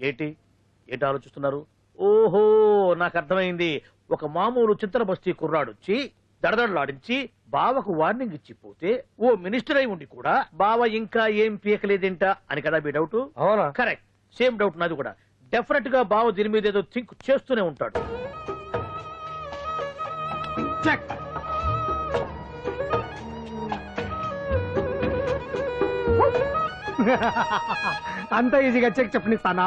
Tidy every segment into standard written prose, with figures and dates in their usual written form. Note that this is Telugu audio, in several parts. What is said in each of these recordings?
ఏంటి ఏంటి ఆలోచిస్తున్నారు? ఓహో, నాకు అర్థమైంది. ఒక మామూలు చింతన బస్తీ కుర్రాడొచ్చి దడదడలాడించి బావకు వార్నింగ్ ఇచ్చిపోతే ఓ మినిస్టర్ అయి ఉండి కూడా బావ ఇంకా ఏం పీకలేదేంట అని కదా మీ డౌట్? అవునా? కరెక్ట్, సేమ్ డౌట్ నాది కూడా. డెఫినెట్ గా బావ దీని మీద ఏదో థింక్ చేస్తూనే ఉంటాడు. అంత ఈజీగా చెక్ చెప్పనిస్తానా?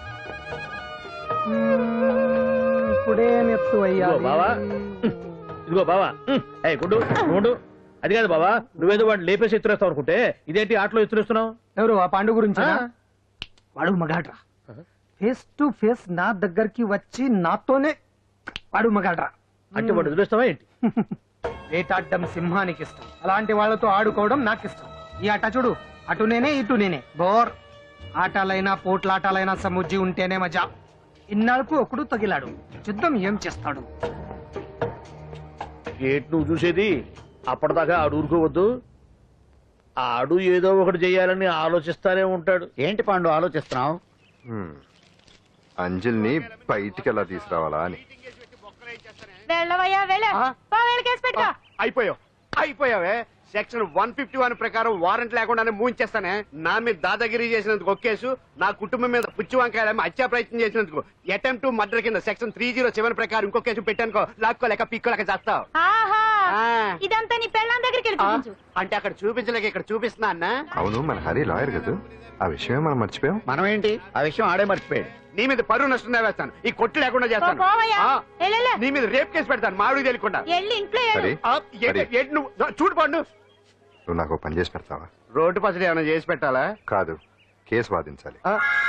ఇప్పుడే నెత్తు అయ్యా బావా, ఇదిగో బావా. గుడ్డు గుండు, అది కాదు బావా, నువ్వేదో వాడిని లేపేసి ఎత్తురేస్తావు అనుకుంటే ఇదేంటి ఆటలో ఎత్తురేస్తున్నావు? ఎవరు ఆ పాండు గురించి? వాడు మగాడ్రా, ఫేస్ టు ఫేస్ నా దగ్గరికి వచ్చి నాతోనే వాడు మగాడ్రా. అంటే వాడు ఎదురేస్తావా ఏంటి? వేటాడ్డం సింహానికి ఇష్టం, అలాంటి వాళ్ళతో ఆడుకోవడం నాకు ఇష్టం. ఈ ఆట చూడు, అటు నేనే ఇటు నేనే, బోర్. ఆటలైనా పోట్లాటాలైనా సముజ్జి ఉంటేనే మజా. ఇన్నాళ్ళకు ఒకడు తగిలాడు, యుద్ధం ఏం చేస్తాడు? ఏంటి నువ్వు చూసేది? అప్పటిదాకా ఆడు ఊరుకోవద్దు. ఆడు ఏదో ఒకటి చెయ్యాలని ఆలోచిస్తానే ఉంటాడు. ఏంటి పాండు ఆలోచిస్తున్నావు? అంజలిని బయటికి ఎలా తీసుకురావాలా అని. అయిపోయావే. సెక్షన్ 151 ప్రకారం వారెంట్ లేకుండానే మూయించేస్తానే. నా మీద దాదాగిరి చేసినందుకు ఒక కేసు, నా కుటుంబం మీద పుచ్చి వంకాయ హత్యా ప్రయత్నం చేసినందుకు అటెంప్ట్ టు మర్డర్ కింద సెక్షన్ 307 ప్రకారం ఇంకో కేసు పెట్టానుకో, లాక్కోలేక పిక్కోలేక చేస్తావు. ఇదంతా నీ పెళ్ళాం దగ్గరికి అంటే అక్కడ చూపించలేక ఇక్కడ చూపిస్తున్నా అన్న. అవును, మన హరి లాయర్ కదా, ఆ విషయమే మనం మర్చిపోయాం. మనం ఏంటి ఆ విషయం ఆడే మర్చిపోయాడు. నీ మీద పరువు నష్టం వేస్తాను, ఈ కొట్టు లేకుండా చేస్తాను. నీ మీద రేప్ కేసు పెడతాను మాడికి తెలియకుండా. చూడు పండు, నువ్వు నాకు పని చేసి పెడతావా? రోడ్డు పసడి ఏమైనా చేసి పెట్టాలా? కాదు, కేసు వాదించాలి.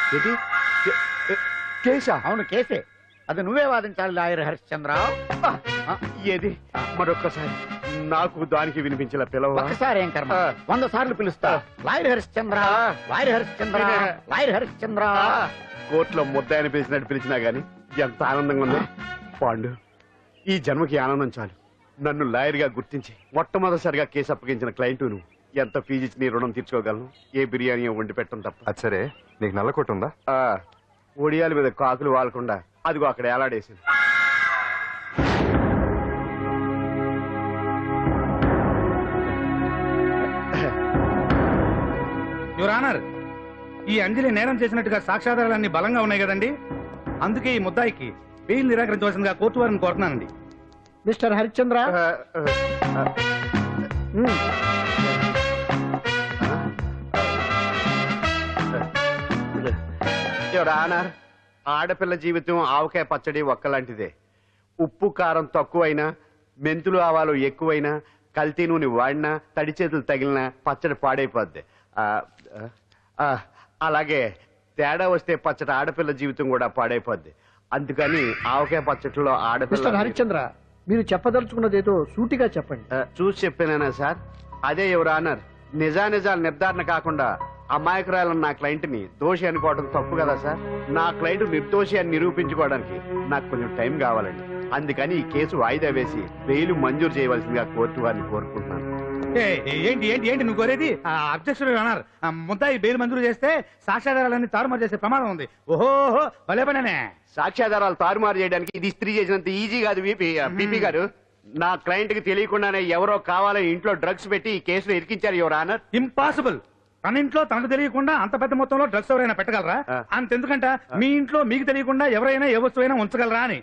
కేసా? అవును కేసే, అది నువ్వే వాదించాలి లాయర్ హరిశ్చంద్ర. ఏది మరొక్కసారి నాకు దానికి వినిపించిన పిలవ. ఒకసారి ఏం కర్మ, 100 సార్లు పిలుస్తా. Lawyer Harishchandra, lawyer Harishchandra, lawyer Harishchandra. కోర్టులో ముద్దాయని పిలిచినట్టు పిలిచినా గాని ఎంత ఆనందంగా ఉంది పాండు. ఈ జన్మకి ఆనందం చాలు. నన్ను లాయర్ గా గుర్తించి మొట్టమొదటిసారిగా కేసు అప్పగించిన క్లయింట్ నువ్వు. ఎంత ఫీజు ఇచ్చి నీ రుణం తీర్చుకోగలను? ఏ బిర్యానీ వండి పెట్టడం తప్ప. అది సరే, నీకు నల్ల కొట్టు ఉందా? ఒడియాల మీద కాకులు వాలకుండా అదిగో అక్కడ ఏలాడేసింది. యువర్ ఆనర్, ఈ అంజలి నేరం చేసినట్టుగా సాక్ష్యాధారాలన్నీ బలంగా ఉన్నాయి కదండి. అందుకే ఈ ముద్దాయికి బెయిల్ నిరాకరించవలసిందిగా కోర్టు వారిని కోరుతున్నానండి. మిస్టర్ హరిశ్చంద్ర, యువర్ ఆనర్, ఆడపిల్ల జీవితం ఆవకాయ పచ్చడి ఒక్కలాంటిదే. ఉప్పు కారం తక్కువైనా, మెంతులు ఆవాలు ఎక్కువైనా, కల్తీ నూనె వాడినా, తడి చేతులు తగిలినా పచ్చడి పాడైపోద్ది. అలాగే తేడా వస్తే పచ్చడి ఆడపిల్ల జీవితం కూడా పాడైపోద్ది. అందుకని ఆవకాయ పచ్చడిలో ఆడపిల్ల. హరిశ్చంద్ర, మీరు చెప్పదలుచుకున్నది ఏదో సూటిగా చెప్పండి. చూసి చెప్పానా సార్? అదే యువర్ ఆనర్, నిజానిజాలు నిర్ధారణ కాకుండా అమాయకురాలను నా క్లయింట్ ని దోషి అనుకోవడం తప్పు కదా సార్? నా క్లయింట్ నిర్దోషి అని నిరూపించుకోవడానికి నాకు కొంచెం టైం కావాలండి. అందుకని ఈ కేసు వాయిదా వేసి బెయిల్ మంజూరు చేయవలసిందిగా కోర్టు వారిని కోరుకుంటున్నాను. ఏంటి ఏంటి ఏంటి నువ్వు కోరేది? అబ్జెక్షన్ యువర్ ఆనర్, ముద్దాయి బెయిల్ మంజూరు చేస్తే సాక్ష్యాధారాలన్నీ తారుమారు చేసే ప్రమాదం ఉంది. ఓహో భలే పనే. సాక్ష్యాధారాలు తారుమారు చేయడానికి ఇది ఇస్త్రీ చేసినంత ఈజీ కాదు బీపీ గారు. నా క్లయింట్ కి తెలియకుండానే ఎవరో కావాలని ఇంట్లో డ్రగ్స్ పెట్టి ఈ కేసులో ఇరికించారు యువర్ ఆనర్. ఇంపాసిబుల్. తన ఇంట్లో తనకు తెలియకుండా అంత పెద్ద మొత్తంలో డ్రగ్స్ ఎవరైనా పెట్టగలరా? అంతెందుకంట మీ ఇంట్లో మీకు తెలియకుండా ఎవరైనా ఏ వస్తువైనా ఉంచగలరా అని.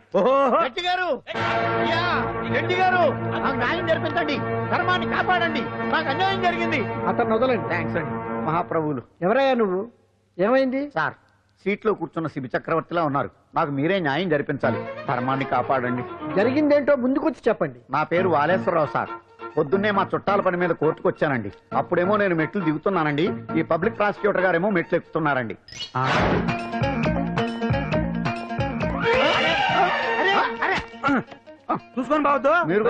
న్యాయం జరిపించండి, ధర్మాన్ని కాపాడండి, నాకు అన్యాయం జరిగింది. అతను వదలండి. థ్యాంక్స్ అండి మహాప్రభువులు. ఎవరయ్యా నువ్వు? ఏమైంది? సార్, సీట్లో కూర్చున్న శిబి చక్రవర్తిలా ఉన్నారు. నాకు మీరే న్యాయం జరిపించాలి, ధర్మాన్ని కాపాడండి. జరిగిందేంటో ముందుకొచ్చి చెప్పండి. నా పేరు వాలేశ్వరరావు సార్. పొద్దున్నే మా చుట్టాల పని మీద కోర్టుకు వచ్చానండి. అప్పుడేమో నేను మెట్లు దిగుతున్నానండి, ఈ పబ్లిక్ ప్రాసిక్యూటర్ గారేమో మెట్లు ఎక్కుతున్నారండి. చూసుకొని బావద్దు.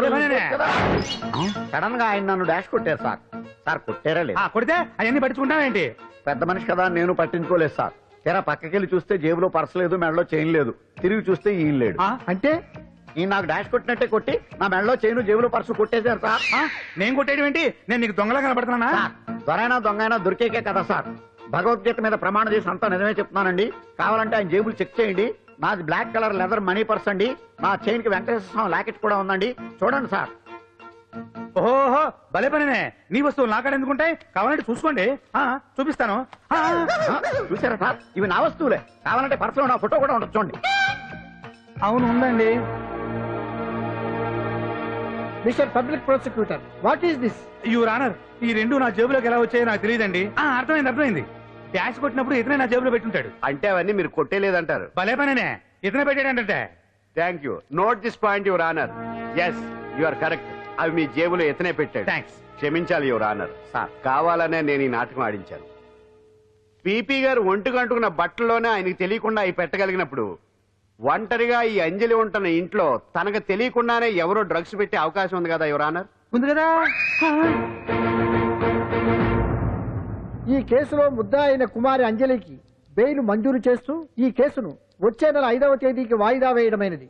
సడన్ గా ఆయన నన్ను డాష్ కొట్టారు సార్. సార్ కొట్టారా లేదు? కొడితే అవన్నీ పట్టించుకుంటావేంటి? పెద్ద మనిషి కదా నేను పట్టించుకోలేదు సార్. తెర పక్కకెళ్ళి చూస్తే జేబులో పర్స్ లేదు, మెడలో చైన్ లేదు. తిరిగి చూస్తే ఈయన లేడు. అంటే ఈ నాకు డాష్ కొట్టినట్టే కొట్టి నా మెడలో చైను జేబులో పర్సు కొట్టేశారు సార్. నేను కొట్టేయడం ఏంటి? నేను నీకు దొంగలా కనబడుతున్నా? దొరైనా దొంగైనా దొరికేకే కదా సార్. భగవద్గీత మీద ప్రమాణం చేసి అంతా నిజమే చెప్తున్నానండి. కావాలంటే ఆయన జేబులు చెక్ చేయండి. నాది black colour leather money purse అండి. నా చైన్ కి వెంకటేశ్వర స్వామి లాకెట్ కూడా ఉందండి. చూడండి సార్. ఓహో భలే పనినే. నీ వస్తువులు నాకాడ ఎందుకుంటాయి? కావాలంటే చూసుకోండి. చూపిస్తాను. చూసారా సార్, ఇవి నా వస్తువులే. కావాలంటే పర్సులో నా ఫోటో కూడా ఉండొచ్చు చూడండి. అవును ఉందండి. Mister public prosecutor, what is this? Your honour, ఈ రెండు నా జేబులోకి ఎలా వచ్చాయో నాకు తెలియదండి. అర్థమైంది. డాష్ కొట్టినప్పుడు ఇతనే నా జేబులో పెట్టుంటాడు. అంటే అవన్నీ మీరు కొట్టేలేదంటారు. భలే పనినే, ఇతనే పెట్టాడంటే. Thank you. Note this point your honour. Yes, you are correct. అవి మీ జేబులో ఎత్తనే పెట్టాడు. థ్యాంక్స్. క్షమించాలి యువర్ ఆనర్. సార్, కావాలనే నేను ఈ నాటకం ఆడించాను. పీపీ గారు ఒంటికి అంటుకున్న బట్టల్లోనే ఆయనకి తెలియకుండా అవి పెట్టగలిగినప్పుడు ఒంటరిగా ఈ అంజలి ఉంటున్న ఇంట్లో తనకు తెలియకుండానే ఎవరో డ్రగ్స్ పెట్టే అవకాశం ఉంది కదా యువర్ ఆనర్. ఉంది కదా. ఈ కేసులో ముద్దా అయిన కుమారి అంజలికి బెయిల్ మంజూరు చేస్తూ ఈ కేసును వచ్చే నెల 5వ తేదీకి వాయిదా వేయడమైనది.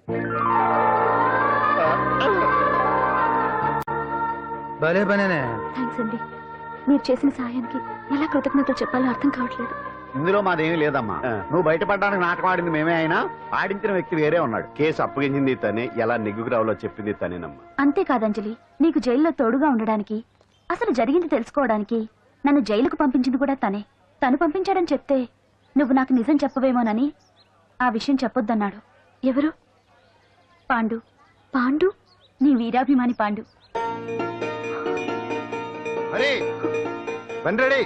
భలే పనేనే. థ్యాంక్స్ అండి. మీరు చేసిన సహాయానికి ఎలా కృతజ్ఞతలు చెప్పాలో అర్థం కావట్లేదు. ఇందులో మాదేమీ లేదమ్మా. నువ్వు బయటపడడానికి నాటకం ఆడింది మేమే అయినా ఆడించిన వ్యక్తి వేరే ఉన్నాడు. కేసు అప్పగించింది తనే, ఎలా నెగ్గుకు రావాలో చెప్పింది తనేనమ్మా. అంతేకాదు అంజలి, నీకు జైల్లో తోడుగా ఉండడానికి, అసలు జరిగింది తెలుసుకోవడానికి నన్ను జైలుకు పంపించింది కూడా తనే. తను పంపించాడని చెప్తే నువ్వు నాకు నిజం చెప్పవేమోనని ఆ విషయం చెప్పొద్దన్నాడు. ఎవరు? పాండు. పాండు, నీ వీరాభిమాని పాండు. అరే బండి రెడీ.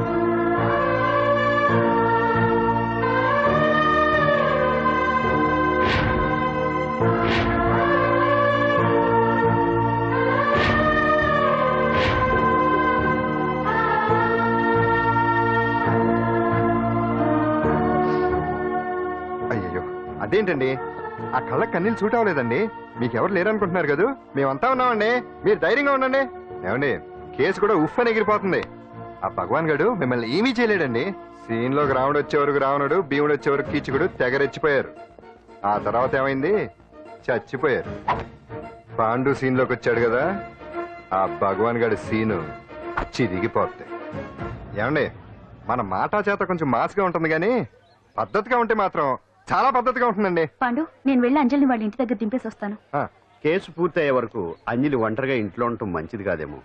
అయ్యో అదేంటండి, ఆ కళ్ళకి కన్నీళ్ళు సూట్ అవ్వలేదండి. మీకెవరు లేరనుకుంటున్నారు కదా, మేమంతా ఉన్నామండి. మీరు ధైర్యంగా ఉండండి. ఏమండి, కేసు కూడా ఉఫ్ అని ఎగిరిపోతుంది. ఆ భగవాన్ గడు మిమ్మల్ని ఏమీ చేయలేడండి. సీన్ లోకి రావణుడు వచ్చే వరకు రావణుడు, భీముడు వచ్చే వరకు కీచుకుడు తెగరెచ్చిపోయారు. ఆ తర్వాత ఏమైంది? చచ్చిపోయారు. పాండు సీన్ లోకి వచ్చాడు కదా, ఆ భగవాన్ గడి సీను చిరిగిపోద్ది. ఏమండి, మన మాటా చేత కొంచెం మాస్గా ఉంటుంది కానీ పద్ధతిగా ఉంటే మాత్రం చాలా పద్ధతిగా ఉంటుందండి. పాండు, నేను వెళ్ళి అంజలిని వాళ్ళ ఇంటి దగ్గర దింపేసి వస్తాను. కేసు పూర్తయ్యే వరకు అంజలి ఒంటరిగా ఇంట్లో ఉండటం మంచిది కాదేమో.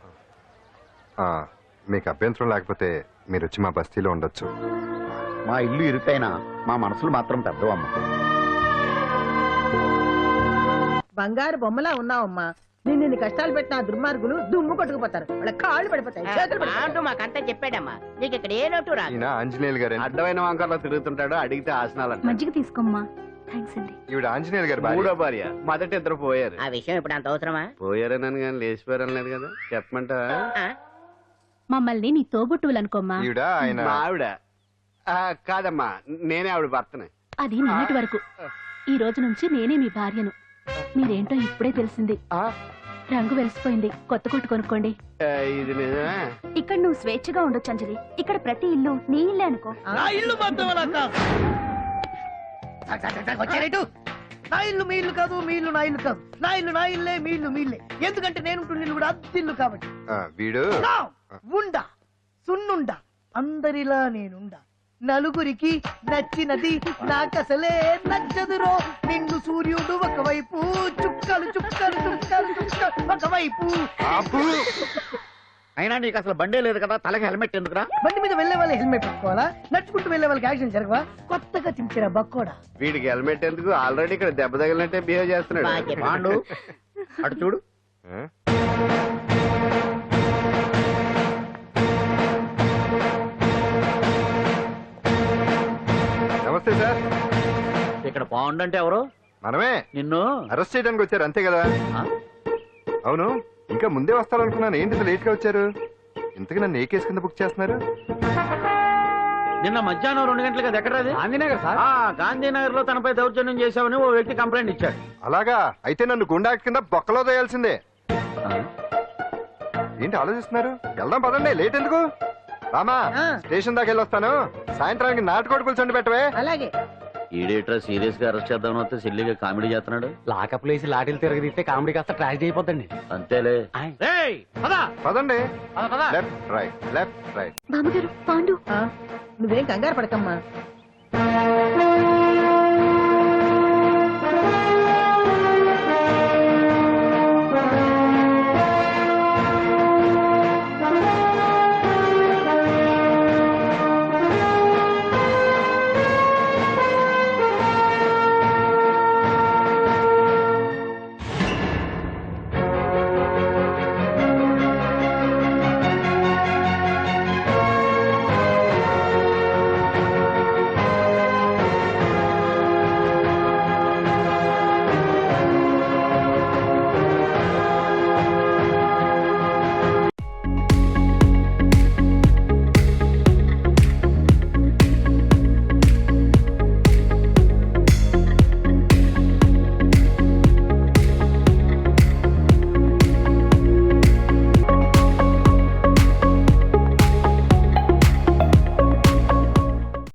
మీకు అభ్యంతరం లేకపోతే మీరు వచ్చి మా బస్తీలో ఉండొచ్చు. మా ఇల్లు ఇరుకైనా మా మనసులు మాత్రం పెద్దవమ్మ. బంగారు బొమ్మలా ఉన్నావమ్మా. నిన్ను కష్టాలు పెట్టిన ఆ దుర్మార్గులు దుమ్ము కొట్టుకుపోతారు. వాళ్ళ కాళ్ళు పడిపోతాయి, చేతులు పడిపోతాయి. మాకంతా చెప్పాడమ్మా, నీకు ఇక్కడ ఏ లోటు రాదు. ఈయన ఆంజనేయులు గారు. అడ్డమైన వంకర్లో తిరుగుతుంటాడు, అడిగితే ఆసనాలంట. మజ్జిగ తీసుకోమ్మా. థ్యాంక్స్ అండి. ఈవిడ ఆంజనేయులు గారు భార్య. మూడో భార్య. మొదట ఇద్దరు పోయారు. ఆ విషయం ఇప్పుడు అంత అవసరమా? పోయారనని కానీ లేచిపోయారని లేదు కదా. చెప్పమంట. మమ్మల్ని నీ తోబుట్టువులనుకోమ్మా. ఈవిడ ఆయన మా ఆవిడ. కాదమ్మా, నేనే ఆవిడ భర్తనే. అది నిన్నటి వరకు. ఈ రోజు నుంచి నేనే మీ భార్యను. మీరేంటో ఇప్పుడే తెలిసింది. రంగు వెలిసిపోయింది, కొత్త కొట్టు కొనుక్కోండి. ఇది నిజమే. ఇక్కడ నువ్వు స్వేచ్ఛగా ఉండొచ్చు అంజలి. ఇక్కడ ప్రతి ఇల్లు నీ ఇల్లే అనుకో. నా ఇల్లు మాత్రం అలా కాదు. నా ఇల్లు మీ ఇల్లు కాదు, మీ ఇల్లు నా ఇల్లు కాదు. నా ఇల్లు నా ఇల్లే, మీ ఇల్లు మీ ఇల్లే. ఎందుకంటే నేను ఇల్లు కూడా అద్దిల్లు కాబట్టి. వీడు ఉండా సున్నుండా అందరిలా నేనుండా. నలుగురికి నచ్చినది నాకసలే నచ్చదురో. నిన్ను సూర్యుడు ఒకవైపు, చుక్కలు చుక్కలు చుక్కలు చుక్కలు ఒకవైపు. అయినా నీకు అసలు బండే లేదు కదా, తలకి హెల్మెట్ ఎందుకురా? బండి మీద వెళ్లే వాళ్ళు హెల్మెట్ పెట్టుకోవాలా? నడుచుకుంటూ వెళ్లే వాళ్ళకి యాక్సిడెంట్ జరగవా? కొత్తగా తింటారా బక్కోడా? వీడికి హెల్మెట్ ఎందుకు? ఆల్రెడీ ఇక్కడ దెబ్బ తగిలినట్టే బిహేవ్ చేస్తున్నాడు. పాండు అటు చూడు. నమస్తే సార్. ఇక్కడ పాండు అంటే ఎవరు? మనమే. నిన్ను అరెస్ట్ చేయడానికి వచ్చారు అంతే కదా? అవును, ఇంకా ముందే వస్తారనుకున్నాను. ఏంటి లేట్ గా వచ్చారు? ఇంతకు నన్ను ఏ కేసు కింద బుక్ చేస్తున్నారు? నిన్న మధ్యాహ్నం 2 గంటలకు అది ఎక్కడ? గాంధీనగర్ సార్. గాంధీనగర్ లో తనపై దౌర్జన్యం చేశామని ఓ వ్యక్తి కంప్లైంట్ ఇచ్చాడు. అలాగా? అయితే నన్ను గుండా కింద బొక్కలో తోయాల్సిందే. ఏంటి ఆలోచిస్తున్నారు? వెళ్దాం పదండి, లేట్ ఎందుకు? రామా, స్టేషన్ దాకా వెళ్ళి వస్తాను. సాయంత్రానికి నాటుకోడి పులుసు పెట్టవే. అలాగే. ఈడేట్రా సీరియస్ గా అరెస్ట్ చేద్దాం వస్తే సిల్లిగా కామెడీ చేస్తున్నాడు. లాకప్ లేసి లాఠీలు తిరగదీస్తే కామెడీ కాస్త ట్రాజడీ అయిపోతండి. అంతేలే. పదండి. Left right, left right. బామ్మగారు, పాండు. నువ్వేం కంగారు పడకమ్మా.